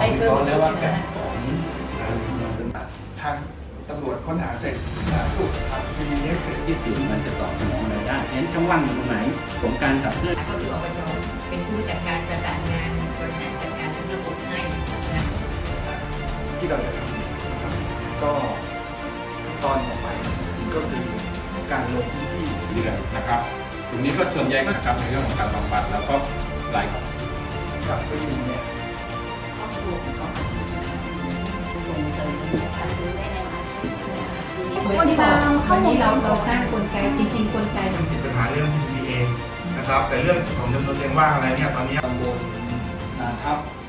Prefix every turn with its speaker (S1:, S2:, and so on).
S1: ได้เพิ่มแล้วว่าแก
S2: ทางตำรวจค้นหาเสร็จสุขทำทีนี้เสร็จ
S3: ที่สื่อมันจะตอบสนองอะไรได้เห็นช่องว่างอยู่ตรงไหนของการขับเคลื่อน
S1: ก็คืออบจเป็นผู้จัดการประสานงานบริหารจัดการทั้งระบบให้นะ
S2: ที่เราจะทำนะครับก็ตอนต่อไปก็คือการลงพื้นที่
S4: เรื่องนะครับตรงนี้ก็ส่วนใหญ่นะครับในเรื่องของการบำบัดแล้วก็ราย
S2: กับประยุเนี่ย
S1: ครอบครัวของส่งเสริมการดูแลในอาชีพวันนี้เราสร้างกลไกจริงๆกลไก
S5: มันติดปัญหาเรื่อง PPA นะครับแต่เรื่องของจำนวนเตียงว่างอะไรเนี่ยตอนนี้
S2: ตำบลนาทับ